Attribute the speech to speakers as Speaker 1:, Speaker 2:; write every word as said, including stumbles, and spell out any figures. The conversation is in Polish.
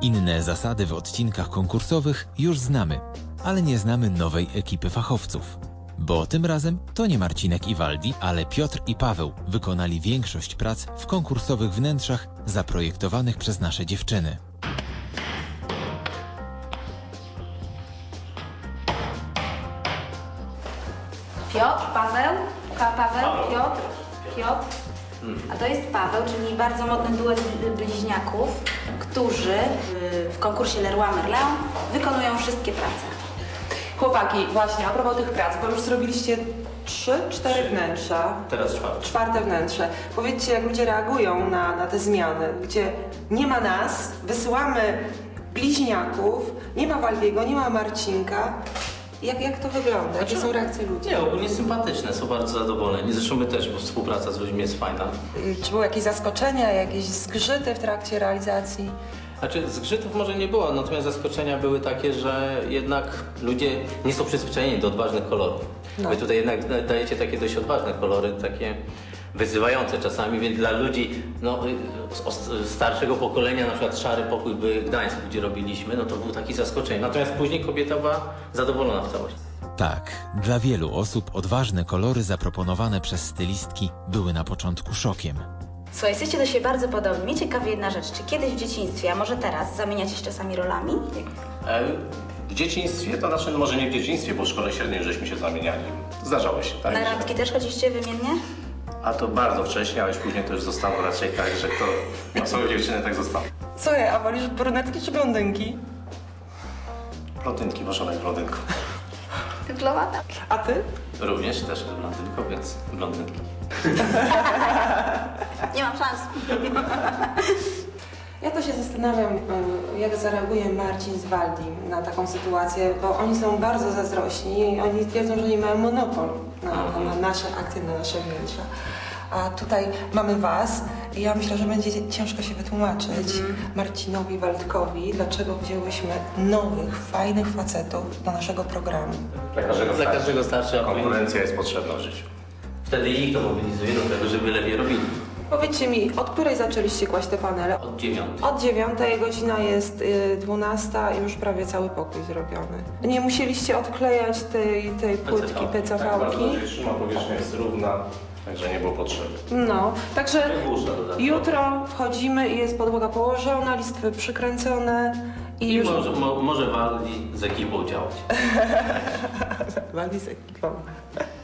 Speaker 1: Inne zasady w odcinkach konkursowych już znamy, ale nie znamy nowej ekipy fachowców. Bo tym razem to nie Marcinek i Waldi, ale Piotr i Paweł wykonali większość prac w konkursowych wnętrzach zaprojektowanych przez nasze dziewczyny.
Speaker 2: Piotr, Paweł, pa, Paweł, Piotr, Piotr. A to jest Paweł, czyli bardzo modny duet bliźniaków, którzy w konkursie Leroy Merlin wykonują wszystkie prace.
Speaker 3: Chłopaki, właśnie, a propos tych prac, bo już zrobiliście trzy, cztery wnętrza.
Speaker 4: Teraz czwarte.
Speaker 3: Czwarte wnętrze. Powiedzcie, jak ludzie reagują na, na te zmiany, gdzie nie ma nas, wysyłamy bliźniaków, nie ma Waldiego, nie ma Marcinka. Jak, jak to wygląda? Jakie są reakcje ludzi?
Speaker 4: Nie, ogólnie sympatyczne, są bardzo zadowoleni. Zresztą my też, bo współpraca z ludźmi jest fajna.
Speaker 3: Czy były jakieś zaskoczenia, jakieś zgrzyty w trakcie realizacji?
Speaker 4: Znaczy, zgrzytów może nie było, natomiast zaskoczenia były takie, że jednak ludzie nie są przyzwyczajeni do odważnych kolorów.
Speaker 3: No.
Speaker 4: Wy tutaj jednak dajecie takie dość odważne kolory, takie wyzywające czasami, więc dla ludzi no, z starszego pokolenia, na przykład Szary Pokój by Gdańsk, gdzie robiliśmy, no to był taki zaskoczenie. Natomiast później kobieta była zadowolona w całości.
Speaker 1: Tak, dla wielu osób odważne kolory zaproponowane przez stylistki były na początku szokiem.
Speaker 2: Słuchaj, jesteście do siebie bardzo podobni. Mnie ciekawi jedna rzecz, czy kiedyś w dzieciństwie, a może teraz, zamieniacie się czasami rolami?
Speaker 5: E, w dzieciństwie, to znaczy, no może nie w dzieciństwie, bo w szkole średniej żeśmy się zamieniali. Zdarzało się, tak?
Speaker 2: Na
Speaker 5: że-
Speaker 2: randki też chodziliście wymiennie?
Speaker 5: A to bardzo wcześnie, ale już później to już zostało raczej tak, że kto miał swoją dziewczynę, tak zostało.
Speaker 3: Co ja, a wolisz brunetki czy blondynki?
Speaker 5: Blondynki, bo żona jest blondynką.
Speaker 2: Dyplomata.
Speaker 3: A ty?
Speaker 4: Również też jest blondynką, więc blondynki.
Speaker 2: Nie mam szans.
Speaker 3: Ja to się zastanawiam, y, jak zareaguje Marcin z Waldim na taką sytuację, bo oni są bardzo zazdrośni i oni twierdzą, że nie mają monopol na, na, na nasze akcje, na nasze wnętrza. A tutaj mamy was i ja myślę, że będzie ciężko się wytłumaczyć mm. Marcinowi, Waldkowi, dlaczego wzięłyśmy nowych, fajnych facetów do naszego programu.
Speaker 5: Dla każdego,
Speaker 4: Dla każdego starszy, a
Speaker 5: konkurencja jest potrzebna w życiu.
Speaker 4: wtedy ich to mobilizuje do tego, żeby lepiej robili.
Speaker 3: Powiedzcie mi, od której zaczęliście kłaść te panele?
Speaker 4: Od dziewiątej.
Speaker 3: Od dziewiątej, godzina jest y, dwunasta i już prawie cały pokój zrobiony. Nie musieliście odklejać tej, tej płytki P C V
Speaker 5: Tak, bardzo
Speaker 3: ki?
Speaker 5: dobrze trzyma, powierzchnia jest równa, także nie było potrzeby.
Speaker 3: No, także
Speaker 4: Burza dodatkowa.
Speaker 3: jutro wchodzimy i jest podłoga położona, listwy przykręcone i,
Speaker 4: I
Speaker 3: już...
Speaker 4: może, mo, może Waldi z ekipą działać.
Speaker 3: Waldi z ekipą.